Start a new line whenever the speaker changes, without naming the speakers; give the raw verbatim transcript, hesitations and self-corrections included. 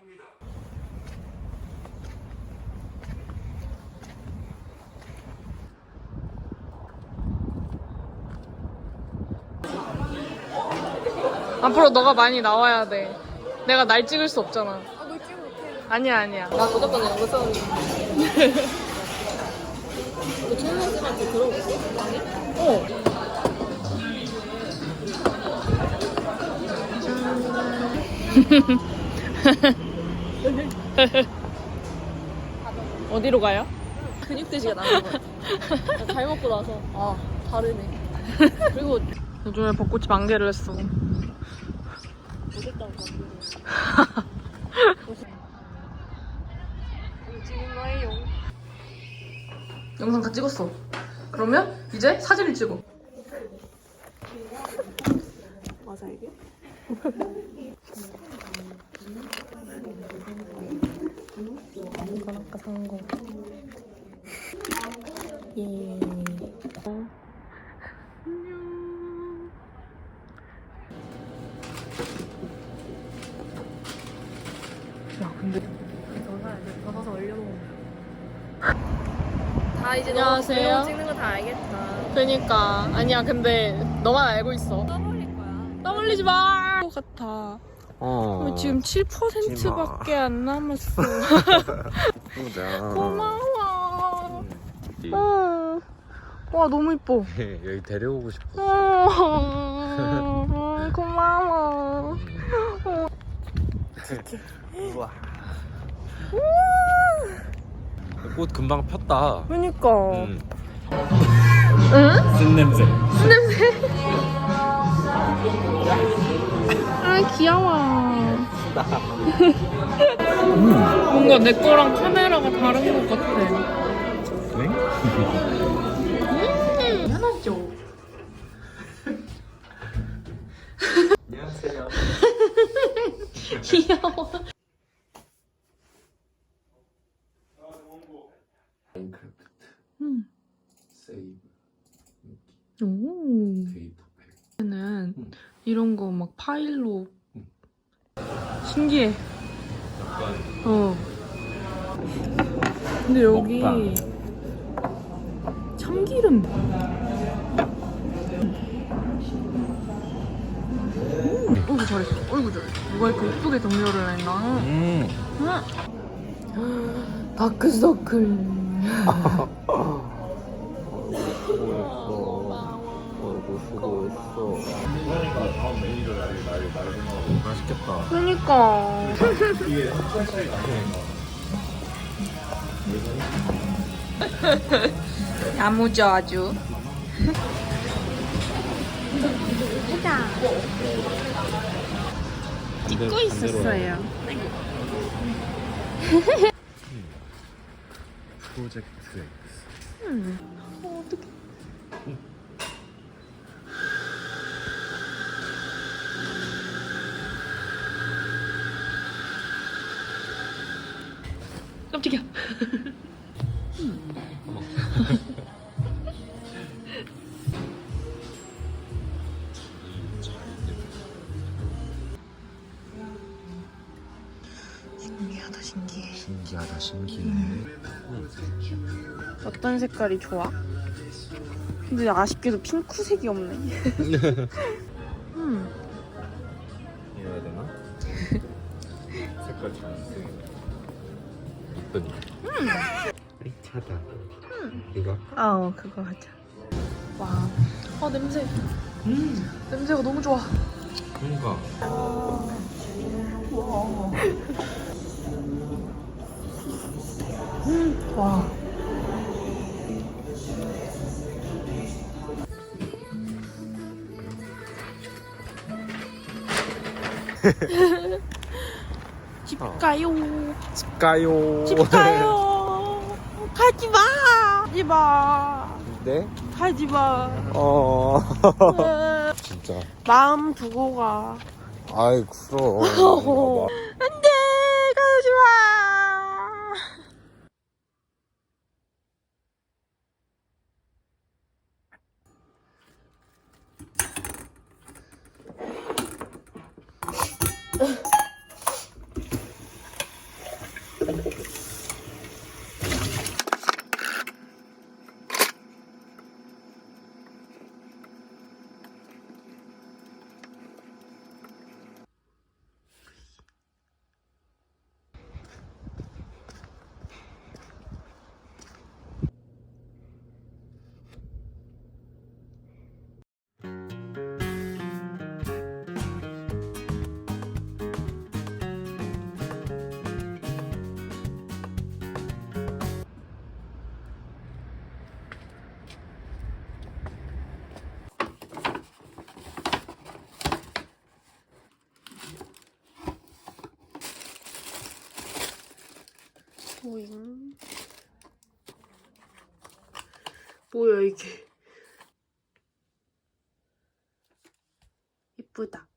앞으로 너가 많이 나와야 돼. 내가 날 찍을 수 없잖아.
아, 널 찍으면 어떡해.
아니야, 아니야.
나 무조건 영어 써는데. 너 최은영 쌤한테 들어봤어? 아니?
어. 어디로 가요?
근육돼지가 나는 거 같아. 잘 먹고 나서 아 다르네. 그리고
요즘에 벚꽃이 만개를 했어.
못했다고 찍은 거예요.
영상 다 찍었어. 그러면 이제 사진을 찍어.
맞아 이게?
이건 아까 산 거. 예. 어. 안녕. 야, 근데
너가 이제 받아서 올려놓으면 다 이제
안녕하세요.
너 찍는 거 다 알겠다.
그니까 아니야. 근데 너만 알고 있어.
떠올릴 거야.
떠올리지 마. 같아.
어.
지금 칠 퍼센트밖에 안 남았어.
보자.
고마워.
음.
어. 와, 너무 이뻐.
여기 데려오고 싶어.
어. 고마워.
우와. 꽃 금방 폈다.
그니까.
음.
응?
쓴 냄새.
아, 귀여워. 뭔가 내 거랑 카메라가 다른 것 같아.
네?
음, 편하죠?
안녕하세요.
귀여워.
마인크래프트.
음.
세이브.
오.
데이터 팩.
는
음.
이런 거 막 파일로.
음.
신기해.
약간
어. 근데 여기
먹방.
참기름. 음, 어이구 잘했어. 어이구 잘했어. 누가 이렇게 예쁘게 정렬을 했나?
음.
응. 다크서클.
수고했어. 수고했어. 다음 메뉴를 날, 날, 날 맛있겠다.
그니까. 야무져 아주. 해자. 찍고 있었어요.
프로젝트 X.
음. 어, 어떡해. 깜짝이야. 신기하다 신기해.
신기하다 신기해.
음. 어떤 색깔이 좋아? 근데 아쉽게도 핑크색이 없네. 음.
이래야 되나? 색깔 좋은데 이쁘니?
음.
차다. 음. 이거?
아, 그거 하자. 와. 아, 냄새. 음. 냄새가 너무 좋아.
그러니까.
와. 음. 와. 집 가요.
집 가요.
집 가요. 가지 마. 가지 마.
네?
가지 마.
어. 진짜.
마음 두고 가.
아이 그럼.
안돼, 가지 마. 오잉. 뭐야 이게? 이쁘다.